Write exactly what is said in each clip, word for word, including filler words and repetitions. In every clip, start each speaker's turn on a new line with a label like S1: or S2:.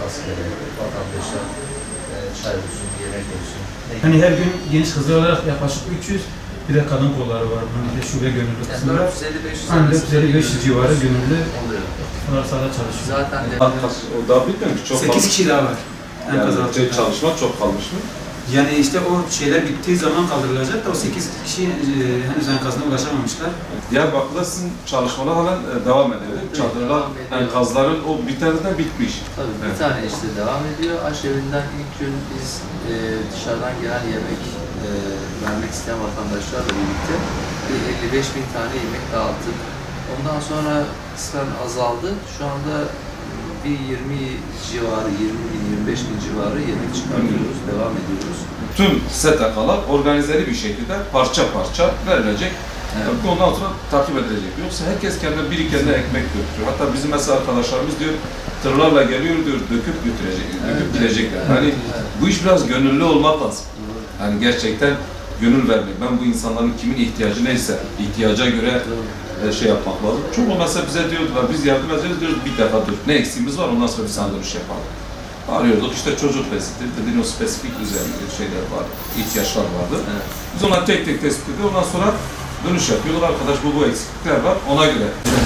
S1: olması gerekiyor. Vatandaşlar e, çay olsun, yemek olsun.
S2: Hani her gün genç kızlar olarak yaklaşık üç yüz, bir de kadın kolları var. Bunun bir de şube gönüllü
S1: Yani
S2: kısmı var.
S1: dört yüz elli beş yüz
S2: Hani dört yüz elli beş yüz civarı gönüllü
S1: oluyor.
S2: bunlar sahada çalışıyor.
S1: Zaten de
S3: O daha bitmiyor ki çok
S2: sekiz
S3: kalmış.
S2: kişi daha var. Enkaz
S3: Yani
S2: altında.
S3: çalışma çok kalmış mı?
S2: Yani işte o şeyler bittiği zaman kaldırılacak da o sekiz kişi e, henüz enkazına ulaşamamışlar.
S3: Diyarbakır'da sizin çalışmalar halen e, devam ediyor. değil mi? Çadırlar,
S1: Devam ediyor.
S3: enkazların o bir tane de bitmiş.
S1: tabii bir
S3: Evet.
S1: tane işte devam ediyor. Aşevinden ilk gün biz e, dışarıdan gelen yemek e, vermek isteyen vatandaşlarla birlikte bir elli beş bin tane yemek dağıttık. Ondan sonra kısmen azaldı. Şu anda bir yirmi civarı, yirmi bin, yirmi beş bin civarı yemek çıkartıyoruz, devam ediyoruz.
S3: Tüm S T K'lar organizeli bir şekilde parça parça verilecek.
S1: Evet.
S3: Tabii ondan sonra takip edilecek. Yoksa herkes kendine bir kendine ekmek götürüyor. Hatta bizim mesela arkadaşlarımız diyor, tırlarla geliyor diyor, döküp götürecek, döküp
S1: Evet.
S3: gidecekler.
S1: Evet.
S3: Hani
S1: Evet.
S3: bu iş biraz gönüllü olmak lazım. Yani gerçekten gönül vermek. Ben bu insanların kimin ihtiyacı neyse, ihtiyaca göre e, şey yapmak lazım. Çok mesela bize diyordular, biz yardım edeceğiz diyoruz, bir defa dur. Ne eksiğimiz var, ondan sonra bir sana dönüş yapalım. Arıyorduk, işte çocuk besidir, dediğin o spesifik üzerinde şeyler var, ihtiyaçlar vardı.
S1: Evet.
S3: Biz ona tek tek tespit ediyoruz, ondan sonra dönüş yapıyorlar. Arkadaş bu bu eksiklikler var, ona göre.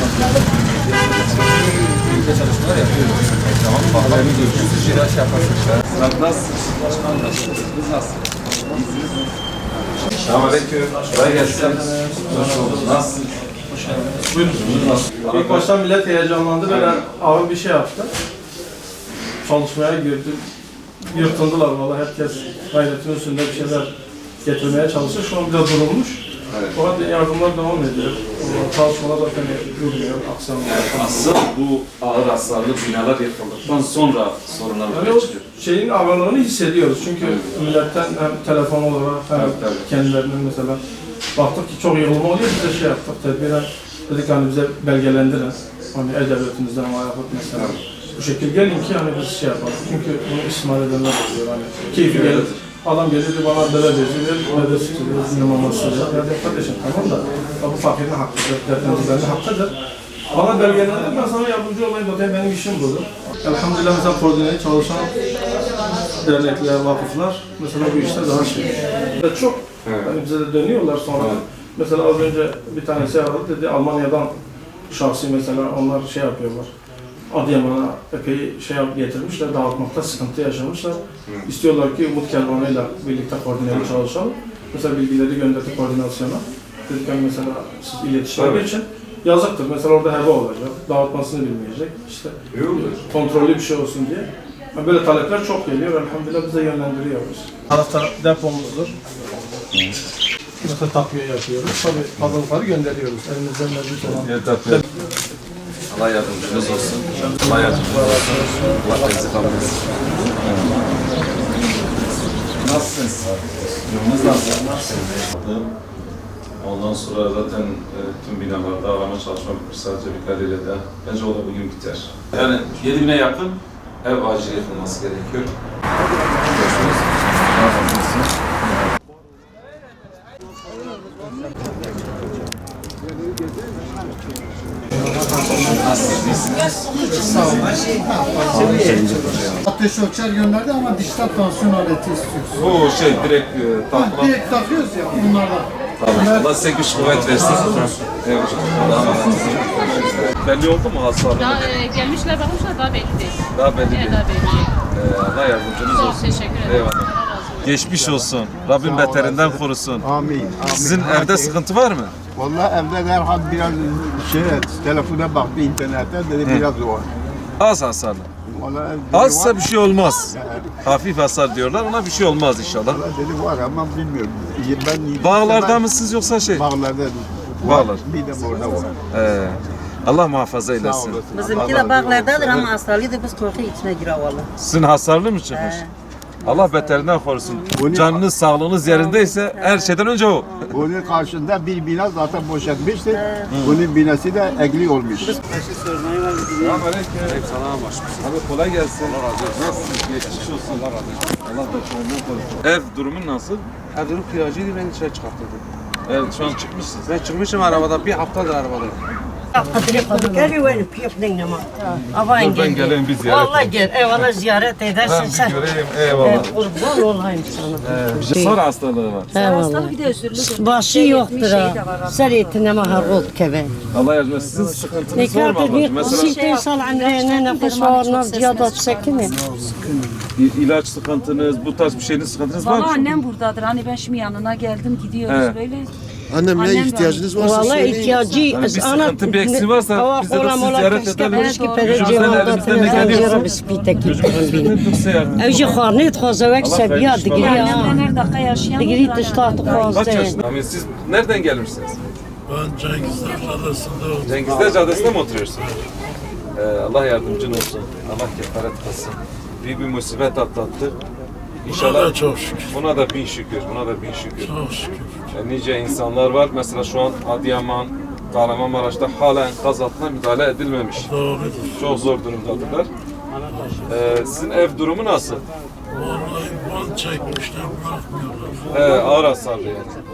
S2: Birlikte çalışmalar yapıyoruz.
S3: Tamam, bakalım görüşürüz.
S2: Şeyler şey yaparsınız.
S3: Nasılsınız? Biz nasılsınız? Selamünaleyküm. Kolay gelsin. Hoş bulduk. Nasılsınız? Buyurun. Nasıl?
S4: İlk başta millet heyecanlandı, böyle ağır bir şey yaptı. Çalışmaya girdi, yırtındılar vallahi, herkes gayretin üstünde bir şeyler getirmeye çalışıyor. Şu an biraz durulmuş.
S3: Evet.
S4: Fakat yardımlar devam ediyor. O çalışmalar zaten durmuyor, aksamıyor.
S3: Asıl bu ağır hasarlı binalar yapıldıktan sonra sorunlar
S4: Yani
S3: ortaya
S4: o
S3: çıkıyor.
S4: şeyin ağırlığını hissediyoruz çünkü milletten hem telefon olarak hem
S3: Evet, tabii.
S4: kendilerinin mesela baktık ki çok yığılma oluyor, biz de şey yaptık, tedbiren dedik hani bize belgelendirin. Hani E-Devletimizden ama yapıp mesela. Bu şekilde gelin ki hani biz şey yapalım. Çünkü bunu istismar edenler oluyor hani. Keyfi gelir. Adam geliyor diyor, bana bere veziyor, bere sütüyor, bizim maması oluyor. Ya de kardeşim tamam da bu fakirin hakkıdır, dertlerimizden hakkıdır. Bana belgelendir, ben sana yardımcı olayım zaten benim işim budur. Elhamdülillah mesela koordineli çalışan dernekler, vakıflar mesela bu işte daha şey. Ve çok
S3: Evet.
S4: yani bize de dönüyorlar sonra.
S3: Evet.
S4: Mesela az önce bir tanesi aradı dedi, Almanya'dan şahsi mesela onlar şey yapıyorlar. Adıyaman'a epey şey yap- getirmişler, dağıtmakta sıkıntı yaşamışlar.
S3: Hı.
S4: İstiyorlar ki Umut Kervanı'yla birlikte koordineli çalışalım. Mesela bilgileri gönderdik koordinasyona. Dedik hani mesela siz iletişime
S3: Tabii.
S4: geçin. Yazıktır. Mesela orada heba olacak. Dağıtmasını bilmeyecek. İşte
S3: İyi olur.
S4: kontrollü bir şey olsun diye. Yani böyle talepler çok geliyor. Elhamdülillah bize yönlendiriyoruz. Tarafta depomuzdur. Mesela takviye yapıyoruz. Tabii fazlalıkları gönderiyoruz. Elimizden mevcut olan.
S3: Evet, tabii. Allah yardımcınız olsun. Allah yardımcınız olsun. Allah bizi kabul etsin. Nasılsınız? Durumunuz nasıl? Ondan sonra zaten e, tüm binalarda arama çalışma bitmiş. Sadece birkaç de bence o da bugün biter. Yani yedi bine yakın ev acil yapılması gerekiyor. Görüşürüz. Allah razı olsun.
S5: Ateş ölçer gönderdi ama dijital tansiyon aleti istiyoruz.
S3: Bu şey direkt e,
S5: Ha,
S3: takla.
S5: direkt takıyoruz ya bunlardan.
S3: Tamam. Allah size güç kuvvet versin. Evet. Allah'a emanet olun. Belli oldu mu hasarlı?
S6: Daha e, gelmişler bakmışlar daha belli değil.
S3: Daha belli
S6: Yine
S3: değil.
S6: daha belli değil.
S3: Ee, Allah yardımcınız
S6: Çok
S3: olsun.
S6: teşekkür ederim.
S3: Eyvallah.
S6: Allah razı olsun.
S3: Geçmiş olsun. Rabbim beterinden korusun.
S7: Amin. Amin.
S3: Sizin evde sıkıntı var mı?
S7: Vallahi evde derhal biraz şey telefona baktı internette dedi
S3: He.
S7: biraz zor.
S3: Az hasarlı.
S7: Vallahi dedi
S3: Azsa
S7: var.
S3: bir şey olmaz.
S7: Yani,
S3: Hafif hasar diyorlar, ona bir şey olmaz inşallah.
S7: vallahi dedi var ama bilmiyorum. Ben
S3: Bağlarda mısınız yoksa şey?
S7: Bağlarda.
S3: Bağlar.
S7: Var. Bir de burada var.
S3: Ee, Allah muhafaza
S7: Sağ
S3: eylesin.
S7: olasın.
S8: Bizimki de bağlardadır ama hastalıydı, biz korku içine giriyor valla.
S3: Sizin hasarlı mı çıkmış?
S8: He.
S3: Allah beterinden korusun.
S7: Bunu-
S3: Canınız, sağlığınız yerindeyse her şeyden önce o.
S7: Bunun karşında bir bina zaten boşaltmıştı. Bunun binası da egli olmuş.
S3: Selamünaleyküm. Selam Abi kolay gelsin. Allah razı olsun. Nasılsınız? Geçmiş olsun. Allah razı olsun. Allah beterinden korusun. Ev durumun nasıl?
S9: Evim kiracıydı, beni dışarı çıkarttırdı.
S3: Evet şu an çıkmışsınız.
S9: Ben çıkmışım arabada, bir haftadır arabadayım.
S8: Kadri kadri geliyor benim piyafnen ama. Avayn
S3: Ben geleyim bir ziyaret
S8: Vallahi gel. Eyvallah ziyaret edersin
S3: Ben
S8: sen.
S3: bir göreyim. Eyvallah.
S8: Kurban olayım sana.
S3: Ee, Sar hastalığı var.
S8: Eyvallah. Başı yoktur ha. Ser etine maharol keve.
S3: Allah yardım etsin. Sizin sıkıntınız
S8: Ne
S3: var mı
S8: kadar
S3: ablacığım?
S8: bir
S3: Mesela
S8: sittin sal amrene nefes varına ziyadat sekine.
S3: i- ilaç sıkıntınız, bu tarz bir şeyin sıkıntınız var
S9: Valla
S3: mı?
S9: annem buradadır. Hani ben şimdi yanına geldim gidiyoruz
S3: He.
S9: böyle.
S7: Annem
S9: Annem
S7: ne
S9: de-
S7: ihtiyacınız varsa
S8: Vallahi
S7: söyleyin.
S8: ihtiyacı
S3: Yani bir sıkıntı, bir eksiği varsa biz de sizi ziyaret edelim. Elimizden elimizden ne geliyorsa Yüzümüzden tutsa yardım.
S8: Evci xarnit xozavek
S3: Allah
S8: sebiya
S3: hayırlı
S8: digri
S3: işler.
S8: ya.
S9: Annemden her dakika yaşayan.
S8: Digri
S9: bir
S8: dıştahtı
S9: tane-
S3: Kaç
S8: xozde.
S3: yaşında? Amin, siz nereden gelmişsiniz?
S10: Ben Cengizler Caddesi'nde
S3: Cengizler Caddesi'nde mi oturuyorsunuz? Ee, Allah yardımcın olsun. Allah kefaret kılsın. Büyük bir musibet atlattık. İnşallah
S10: çok şükür.
S3: buna da bin şükür, buna da bin şükür.
S10: Çok şükür.
S3: Yani nice insanlar var. Mesela şu an Adıyaman, Kahramanmaraş'ta halen gaz altına müdahale edilmemiş.
S10: Doğrudur.
S3: Çok zor durumdadırlar. Ee, sizin ev durumu nasıl?
S10: Vallahi bal çekmişler bırakmıyorlar.
S3: Ee, ağır hasarlı yani.